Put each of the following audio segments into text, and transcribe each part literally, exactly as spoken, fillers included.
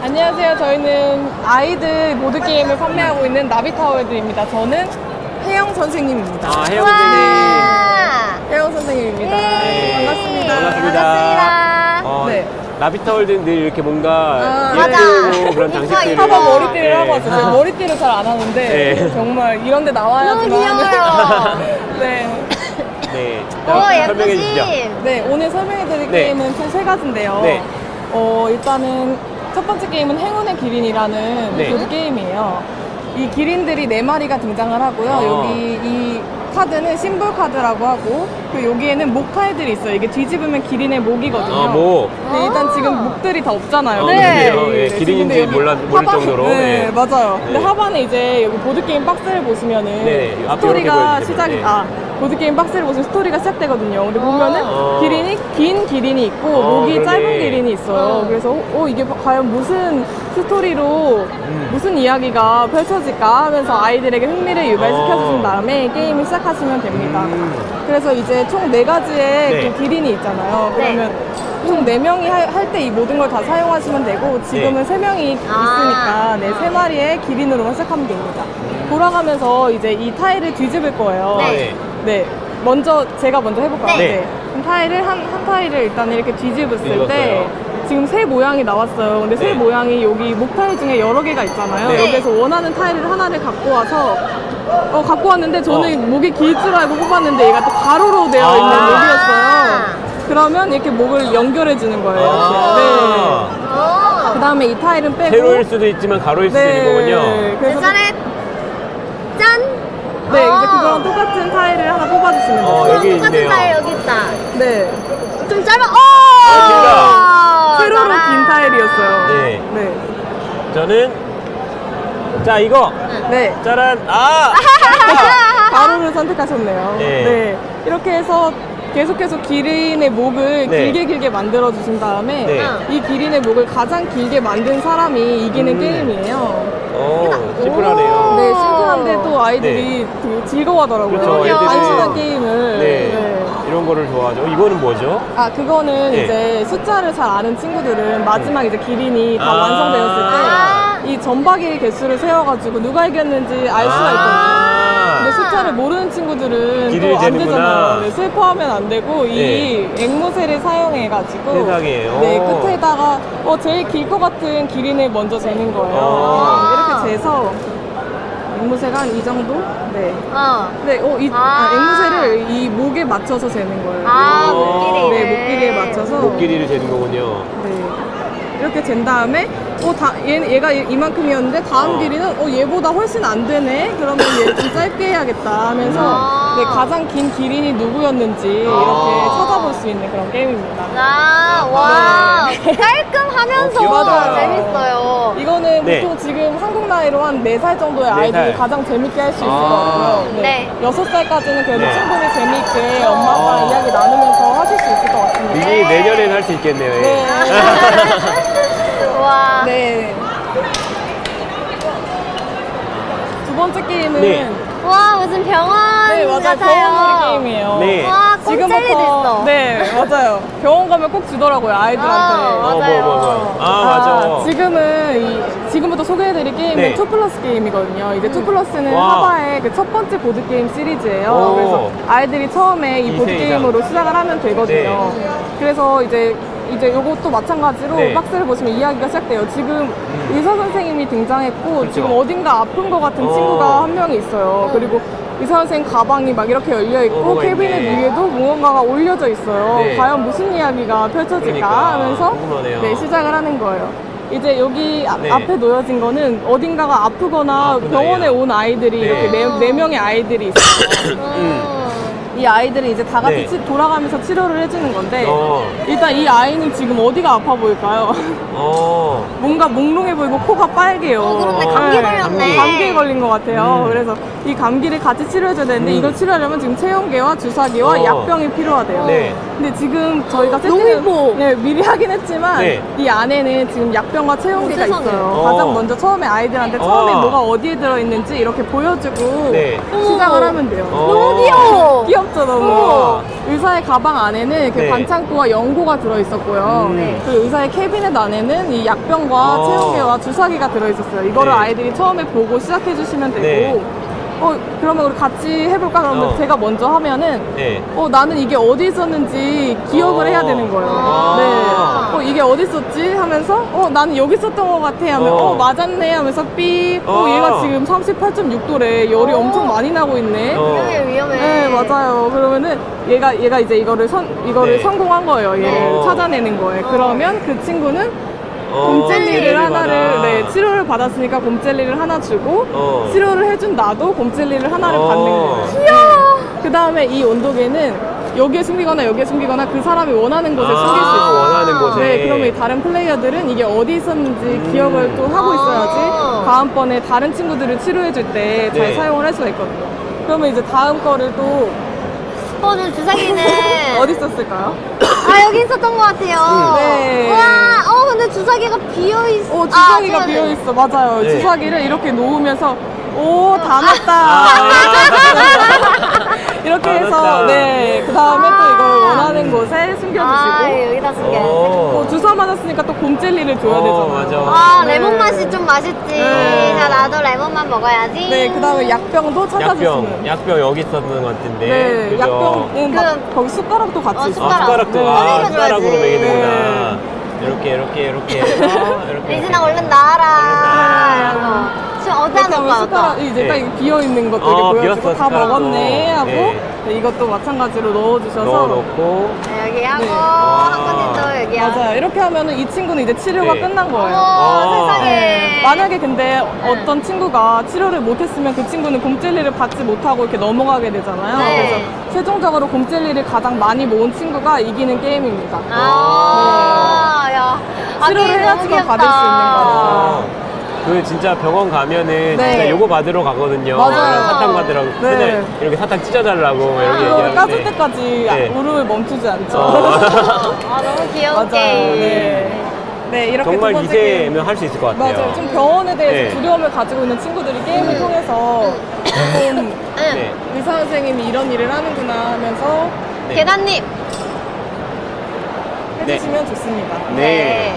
안녕하세요. 저희는 아이들 보드게임을 판매하고 있는 나비타월드입니다. 저는 혜영 선생님입니다. 아, 혜영 선생님. 혜영 선생님입니다. 네. 반갑습니다. 반갑습니다. 반갑습니다. 어, 네. 라비타월드는 늘 이렇게 뭔가 아, 예쁘고 그런 장식들을. 한번 머리띠를 네. 하고 왔어요. 머리띠를 잘 안 하는데 네. 정말 이런 데 나와야지만 너무 귀여워요. 네. 네. 오, 자, 설명해 주시죠. 예쁘지? 네, 오늘 설명해드릴 네. 게임은 총 세 가지인데요. 네. 어, 일단은 첫 번째 게임은 행운의 기린이라는 네. 보드 게임이에요. 이 기린들이 네 마리가 등장을 하고요. 어. 여기 이 카드는 심볼 카드라고 하고, 그리고 여기에는 목 타일들이 있어요. 이게 뒤집으면 기린의 목이거든요. 아, 뭐. 네, 일단 지금 목들이 다 없잖아요. 어, 네. 그러게요. 예, 지금 기린인지 근데 여기 몰라, 모를 하반- 정도로. 네, 네. 맞아요. 근데 네. 하반에 이제 여기 보드게임 박스를 보시면은 네, 앞에 스토리가 이렇게 시작이, 보여주시면, 네. 아, 보드게임 박스를 보시면 스토리가 시작되거든요. 근데 보면은 어. 기린이, 긴 기린이 있고, 어, 목이 그러네. 짧은 기린이 있어요. 어. 그래서, 어, 이게 과연 무슨 스토리로, 음. 무슨 이야기가 펼쳐질까 하면서 아이들에게 흥미를 유발시켜주신 어. 다음에 게임을 시작하시면 됩니다. 음. 그래서 이제 총 네 가지의 네. 그 기린이 있잖아요. 네. 그러면 총 네 명이 할 때 이 모든 걸 다 사용하시면 되고, 지금은 네. 세 명이 아. 있으니까 네, 세 마리의 기린으로만 시작하면 됩니다. 돌아가면서 이제 이 타일을 뒤집을 거예요. 네. 네. 먼저 제가 먼저 해볼까요? 네. 그럼 타일을 한, 한 타일을 일단 이렇게 뒤집었을 뒤집었어요. 때 지금 새 모양이 나왔어요. 근데 새 네. 모양이 여기 목 타일 중에 여러 개가 있잖아요. 네. 여기서 원하는 타일을 하나를 갖고 와서 어, 갖고 왔는데 저는 어. 목이 길 줄 알고 뽑았는데 얘가 또 가로로 되어 있는 아. 목이었어요. 그러면 이렇게 목을 연결해 주는 거예요. 이렇게. 아. 네. 그 다음에 이 타일은 빼고 세로일 수도 있지만 가로일 수도 있는 거군요. 그래서 짜잔! 짠! 네, 어. 이제 그거랑 똑같은 타일을 하나 뽑아주시면 돼요. 어, 여기 똑같은 있네요. 타일 여기 있다. 네. 좀 짧아. 오! 길다. 세로로 짜란. 긴 타일이었어요. 네. 네. 저는, 자, 이거. 네. 짜란. 아! 가로를 선택하셨네요. 네. 이렇게 해서 계속 계속 기린의 목을 네. 길게 길게 만들어 주신 다음에 네. 이 기린의 목을 가장 길게 만든 사람이 이기는 음. 게임이에요. 오, 심플하네요. 네, 심플한데 또 아이들이 되게 즐거워하더라고요. 그렇죠, 애들이. 단순한 게임을. 네. 네. 이런 거를 좋아하죠. 이거는 뭐죠? 아, 그거는 네. 이제 숫자를 잘 아는 친구들은 마지막 이제 기린이 다 아. 완성되었을 아. 때 이 전박이 개수를 세워가지고 누가 이겼는지 알 수가 아. 있거든요. 근데 숫자를 모르는 친구들은 길이를 또 안 재는구나. 되잖아요. 네, 슬퍼하면 안 되고 이 앵무새를 사용해가지고 세상에. 네, 오. 끝에다가 어, 제일 길 것 같은 기린을 먼저 재는 거예요. 아. 네, 이렇게 재서 앵무새가 한 이 정도? 네. 어. 네, 어, 이, 아. 아, 앵무새를 이 목에 맞춰서 재는 거예요. 아, 오. 목길이. 네, 목길이에 맞춰서. 목 길이를 재는 거군요. 네. 이렇게 잰 다음에, 어, 다, 얘, 얘가 이만큼이었는데, 다음 어. 길이는, 어, 얘보다 훨씬 안 되네? 그러면 얘 좀 짧게 해야겠다 하면서, 아. 네, 가장 긴 기린이 누구였는지, 이렇게 아. 찾아볼 수 있는 그런 게임입니다. 아, 와. 깔끔하면서 어, 귀엽다. 재밌어요. 이거는 네. 보통 지금 한국 나이로 한 네 살 정도의 네 아이들이 살. 가장 재밌게 할 수 있을 아. 것 같고요. 네. 여섯 살까지는 그래도 네. 충분히 재밌게 엄마 아빠랑 아. 이야기 나누면서 하실 수 있을 것 같습니다. 이게 내년엔 할 수 있겠네요. 예. 네. 와. 네. 두 번째 게임은 네. 와, 무슨 병원 네, 맞아요. 같아요. 병원놀이 게임이에요. 네. 와, 꽁젤리도 있어. 네, 맞아요. 병원 가면 꼭 주더라고요, 아이들한테. 어, 어, 뭐, 맞아요. 뭐, 뭐. 아, 맞아. 지금은 이, 지금부터 소개해드릴 게임은 네. 투 플러스 게임이거든요. 이제 투 플러스는 와. 하바의 그 첫 번째 보드 게임 시리즈예요. 오. 그래서 아이들이 처음에 이 이 보드 세 게임으로 시작을 하면 되거든요. 네. 그래서 이제 이제 요것도 마찬가지로 네. 박스를 보시면 이야기가 시작돼요. 지금 의사 선생님이 등장했고 그렇죠. 지금 어딘가 아픈 것 같은 어. 친구가 한 명이 있어요. 그리고 의사 선생님 가방이 막 이렇게 열려 어, 있고 뭐가 캐비넷 있네. 위에도 무언가가 올려져 있어요. 네. 과연 무슨 이야기가 펼쳐질까 그러니까, 하면서 궁금하네요. 네, 시작을 하는 거예요. 이제 여기 아- 네. 앞에 놓여진 거는 어딘가가 아프거나 아픈 병원에 아이야. 온 아이들이 네. 이렇게 네, 네 명의 아이들이 있어요. 음. 이 아이들이 이제 다 같이 네. 치- 돌아가면서 치료를 해주는 건데 어. 일단 이 아이는 지금 어디가 아파 보일까요? 어. 뭔가 몽롱해 보이고 코가 빨개요. 어, 그런데 어, 감기 네, 걸렸네. 감기에 걸린 것 같아요. 음. 그래서 이 감기를 같이 치료해줘야 되는데 음. 이걸 치료하려면 지금 체온계와 주사기와 어. 약병이 필요하대요. 네. 근데 지금 저희가 너무 세팅을 예뻐. 네, 미리 하긴 했지만 네. 이 안에는 지금 약병과 체온계가 어, 세상에. 있어요. 어. 가장 먼저 처음에 아이들한테 처음에 어. 뭐가 어디에 들어있는지 이렇게 보여주고 네. 시작을 하면 돼요. 어. 너무 귀여워. 귀엽죠, 너무. 어. 의사의 가방 안에는 이렇게 네. 반창고와 연고가 들어있었고요. 음. 그 의사의 캐비넷 안에는 이 약병과 어. 체온계와 주사기가 들어있었어요. 이거를 네. 아이들이 처음에 보고 시작해주시면 되고, 네. 어, 그러면 우리 같이 해볼까? 그러면 어. 제가 먼저 하면은, 네. 어, 나는 이게 어디 있었는지 기억을 어. 해야 되는 거예요. 아. 네. 어, 이게 어디 있었지? 하면서, 어, 나는 여기 있었던 것 같아. 하면, 어. 어, 맞았네. 하면서 삐, 어, 어. 얘가 지금 삼십팔 점 육 도래. 열이 어. 엄청 많이 나고 있네. 어. 위험해, 위험해. 네, 맞아요. 그러면은 얘가 얘가 이제 이거를 선 이거를 네. 성공한 거예요. 얘를 어. 찾아내는 거예요. 어. 그러면 그 친구는 어, 곰젤리를 젤리를 하나를 받아. 네, 치료를 받았으니까 곰젤리를 하나 주고 어. 치료를 해준 나도 곰젤리를 하나를 어. 받는 거예요. 귀여워. 그 다음에 이 온도계는 여기에 숨기거나 여기에 숨기거나 그 사람이 원하는 곳에 아, 숨길 수 있어요. 원하는 곳에. 네, 그러면 이 다른 플레이어들은 이게 어디 있었는지 음. 기억을 또 하고 있어야지 아. 다음번에 다른 친구들을 치료해줄 때 잘 네. 사용을 할 수가 있거든요. 그러면 이제 다음 거를 또 어, 저 주사기는. 어디 있었을까요? 아, 여기 있었던 것 같아요. 네. 우와, 어, 근데 주사기가 비어있어. 어, 주사기가 아, 비어 있어. 맞아요. 네. 주사기를 이렇게 놓으면서 오, 다 아, 넣었다. 이렇게 다 해서 넣었다. 네. 그 다음에 또 이걸 원하는 곳에 숨겨주시고. 아, 여기다 숨겨야지. 어. 어, 주사 맞았으니까 또 곰젤리를 줘야 어, 되잖아요. 맞아. 아, 네. 레몬 맛이 좀 맛있지. 네. 자, 나도 레몬만 먹어야지. 네, 그 다음에 약병도 찾아주시는. 약병, 약병 여기 있었는 것 같은데. 네, 그죠? 약병은 그- 막 거기 숟가락도 같이 어, 있어요. 아, 숟가락도, 네. 아, 꺼내줘야지. 숟가락으로 먹이는구나. 네. 이렇게, 이렇게, 이렇게 해서, 이렇게. 리진아, 얼른 나와라. 나와라. 이러고. 지금 어디다 이렇게 하면 놓을까? 숟가락 이제 네. 딱 이렇게 비어 있는 것도 어, 이렇게 보여주고 비었어, 다 숟가락도. 먹었네 하고 네. 네, 이것도 마찬가지로 넣어주셔서 넣어놓고. 네, 여기 하고, 네. 한 군데도 여기 하고. 맞아요. 이렇게 하면은 이 친구는 이제 치료가 네. 끝난 거예요. 어머, 세상에. 네. 만약에 근데 어떤 친구가 치료를 못했으면 그 친구는 곰젤리를 받지 못하고 이렇게 넘어가게 되잖아요. 네. 그래서 최종적으로 곰젤리를 가장 많이 모은 친구가 이기는 게임입니다. 아, 야. 아, 치료를 게임 너무 해야지만 귀엽다. 받을 수 있는 거라서. 어. 그 진짜 병원 가면은 네. 진짜 요거 받으러 가거든요. 맞아요. 사탕 받으러. 네. 맨날 이렇게 사탕 찢어달라고 막 이렇게 이거 까줄 얘기하는데. 때까지 네. 울음을 멈추지 않죠. 어. 아, 너무 귀여운 맞아요. 게임. 네. 네, 이렇게 정말 두 번째 게임. 이제면 할 수 있을 것 같아요. 맞아요. 좀 병원에 대해서 네. 두려움을 가지고 있는 친구들이 게임을 음. 통해서 좀 응. 네. 의사 선생님이 이런 일을 하는구나 하면서 네. 계단님. 해주시면 좋습니다. 네.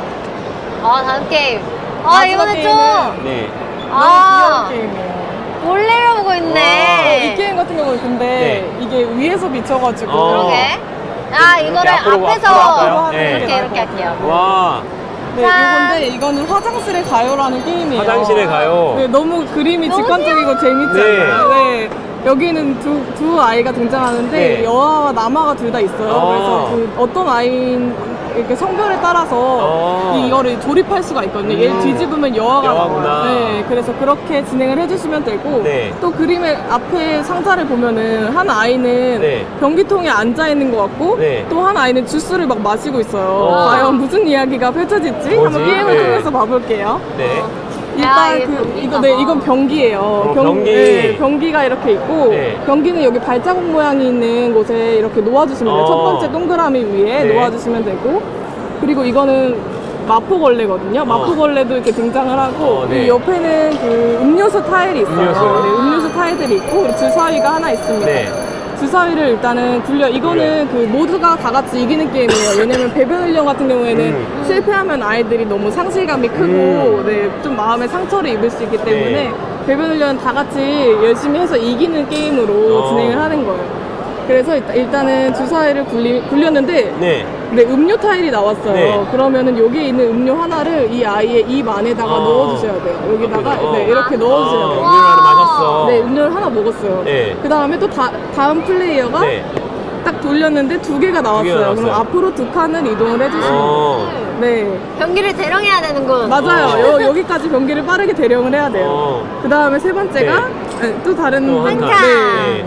아, 다음 게임. 아, 마지막 이거는 게임은 좀 네. 너무 아. 귀여운 게임이에요. 몰래를 보고 어, 있네. 이 게임 같은 경우는 근데 네. 이게 위에서 비춰가지고 어. 그러게. 아, 이렇게 이거를 앞으로, 앞에서 앞으로 할까요? 네. 이렇게 이렇게 할게요. 와, 네, 짠. 이건데 이거는 화장실에 가요라는 게임이에요. 화장실에 가요. 네, 너무 그림이 너무 직관적이고 재밌잖아요. 네. 여기는 두, 두 아이가 등장하는데 네. 여아와 남아가 둘 다 있어요. 어. 그래서 그 어떤 아이인 이렇게 성별에 따라서 어. 이거를 조립할 수가 있거든요. 얘를 음. 뒤집으면 여아가 여아구나. 나와요. 네, 그래서 그렇게 진행을 해주시면 되고 네. 또 그림의 앞에 상자를 보면은 한 아이는 네. 변기통에 앉아 있는 것 같고 네. 또 한 아이는 주스를 막 마시고 있어요. 어. 과연 무슨 이야기가 펼쳐질지 뭐지? 한번 게임을 네. 통해서 봐볼게요. 네. 일단 이게 그 변기인가 이거 네 봐. 이건 변기예요. 어, 변- 변기. 네, 변기가 이렇게 있고 네. 변기는 여기 발자국 모양이 있는 곳에 이렇게 놓아주시면 돼요. 어. 첫 번째 동그라미 위에 네. 놓아주시면 되고 그리고 이거는 마포걸레거든요. 마포걸레도 이렇게 등장을 하고 어, 네. 이 옆에는 그 음료수 타일이 있어요. 음료수. 네, 음료수 타일들이 있고 그리고 주사위가 하나 있습니다. 네. 주사위를 일단은 굴려 이거는 그 모두가 다 같이 이기는 게임이에요. 왜냐면 배변 훈련 같은 경우에는 음. 실패하면 아이들이 너무 상실감이 크고 음. 네, 좀 마음에 상처를 입을 수 있기 때문에 네. 배변 훈련 다 같이 열심히 해서 이기는 게임으로 어. 진행을 하는 거예요. 그래서 일단, 일단은 주사위를 굴리, 굴렸는데 네. 네, 음료 타일이 나왔어요. 네. 그러면은 여기 있는 음료 하나를 이 아이의 입 안에다가 어. 넣어주셔야 돼요. 여기다가 어. 네, 이렇게 넣어주셔야 어, 돼요. 음료를 하나 마셨어. 네, 음료를 하나 먹었어요. 네. 그 다음에 또 다, 다음 플레이어가 네. 딱 돌렸는데 두 개가 나왔어요. 나왔어요. 그럼 앞으로 두 칸을 이동을 해주시면 돼요. 어. 네, 변기를 대령해야 되는군. 맞아요. 어. 여, 여기까지 변기를 빠르게 대령을 해야 돼요. 어. 그 다음에 세 번째가 네, 또 다른 또 한 분- 칸. 네. 네.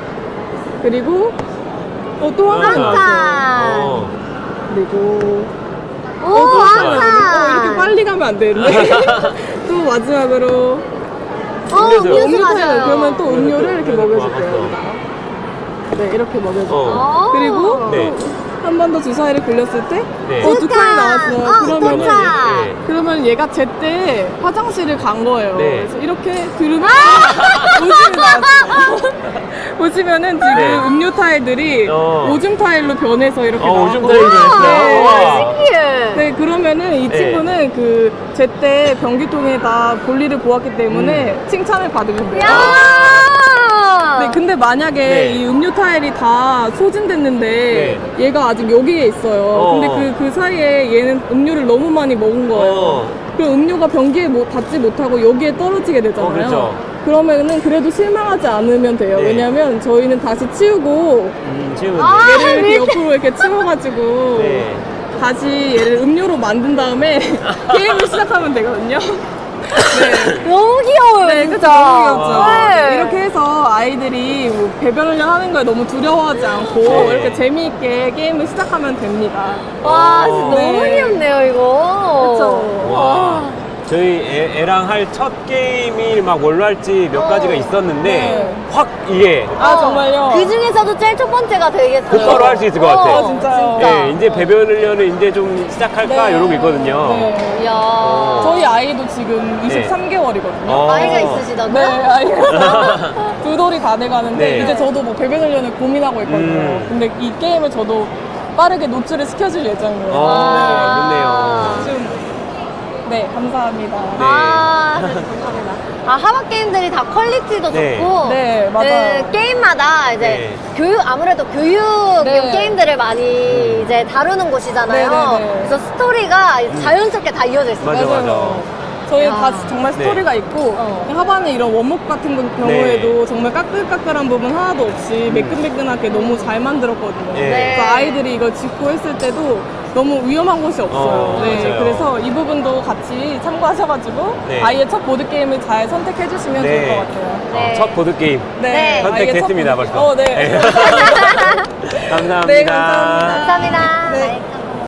그리고 어, 또 한 하나 칸. 나왔어요. 어. 그리고 오, 어, 또 하나 한 나왔어요. 어, 이렇게 칸. 빨리 가면 안 되는데. 또 마지막으로 어, 음료수. 음료수 음료 타요. 마셔요. 그러면 또 음료를 이렇게 음료수 먹여줄게요. 먹었어. 여기다가. 네, 이렇게 먹여줄게요. 어. 오. 그리고 네. 또 한 번 더 주사위를 굴렸을 때 네. 어, 두 칸이 나왔어요. 어, 그러면은 도착. 네. 그러면 얘가 제때 화장실을 간 거예요. 네. 그래서 이렇게 들으면 오줌이 나왔어요. 보시면은 지금 네. 음료 타일들이 어. 오줌 타일로 변해서 이렇게 어, 나왔고 오줌 타일이 변했어요. 네. 우와. 신기해. 네, 그러면은 이 네. 친구는 그 제때 변기통에다 볼일을 보았기 때문에 음. 칭찬을 받으면 돼요. 야. 네, 근데 만약에 네. 이 음료 타일이 다 소진됐는데 얘가 아직 여기에 있어요. 어. 근데 그, 그 사이에 얘는 음료를 너무 많이 먹은 거예요. 어. 그럼 음료가 변기에 뭐 닿지 못하고 여기에 떨어지게 되잖아요. 어, 그렇죠. 그러면은 그래도 실망하지 않으면 돼요. 네. 왜냐면 저희는 다시 치우고 음, 치우면 아. 돼. 얘를 이렇게 옆으로 이렇게 치워가지고 네. 다시 얘를 음료로 만든 다음에 게임을 시작하면 되거든요. 네. 너무 귀여워요, 네, 그쵸. 진짜. 너무 귀엽죠. 네. 이렇게 해서 아이들이 뭐 배변 훈련 하는 걸 너무 두려워하지 않고 네. 이렇게 재미있게 게임을 시작하면 됩니다. 와, 진짜 어. 너무 네. 귀엽네요, 이거. 그쵸. 와. 저희 애, 애랑 할 첫 게임이 막 뭘로 할지 몇 가지가 있었는데 네. 확 이게 아, 정말요? 그 중에서도 제일 첫 번째가 되겠어요. 곧바로 할 수 있을 것 같아요. 어, 진짜요? 진짜. 예, 이제 배변 훈련을 이제 좀 시작할까 네. 이러고 있거든요. 네. 이야. 저희 아이도 지금 이십삼 개월이거든요. 어. 아이가 있으시다고요? 네, 아이가 두 돌이 다 돼가는데 네. 이제 저도 뭐 배변 훈련을 고민하고 있거든요. 음. 근데 이 게임을 저도 빠르게 노출을 시켜줄 예정이에요. 아, 네. 좀, 네, 감사합니다. 아, 네, 감사합니다. 아, 하박 게임들이 다 퀄리티도 네. 좋고. 네, 맞아요. 네, 게임마다 이제 네. 교육, 아무래도 교육 네. 게임들을 많이 이제 다루는 곳이잖아요. 네, 네, 네. 그래서 스토리가 자연스럽게 다 이어져 있어요. 맞아, 맞아. 저희는 야. 다 정말 네. 스토리가 있고 어. 하반에 이런 원목 같은 경우에도 정말 까끌까끌한 부분 하나도 없이 매끈매끈하게 너무 잘 만들었거든요. 네. 네. 그래서 아이들이 이거 짚고 했을 때도 너무 위험한 곳이 없어요. 어, 네, 맞아요. 그래서 이 부분도 같이 참고하셔가지고 네. 아이의 첫 보드 게임을 잘 선택해 주시면 네. 좋을 것 같아요. 네. 어, 첫 보드게임 네. 선택됐습니다, 아이의 첫 벌써. 보드- 어, 네. 감사합니다. 네, 감사합니다. 감사합니다. 네. 네.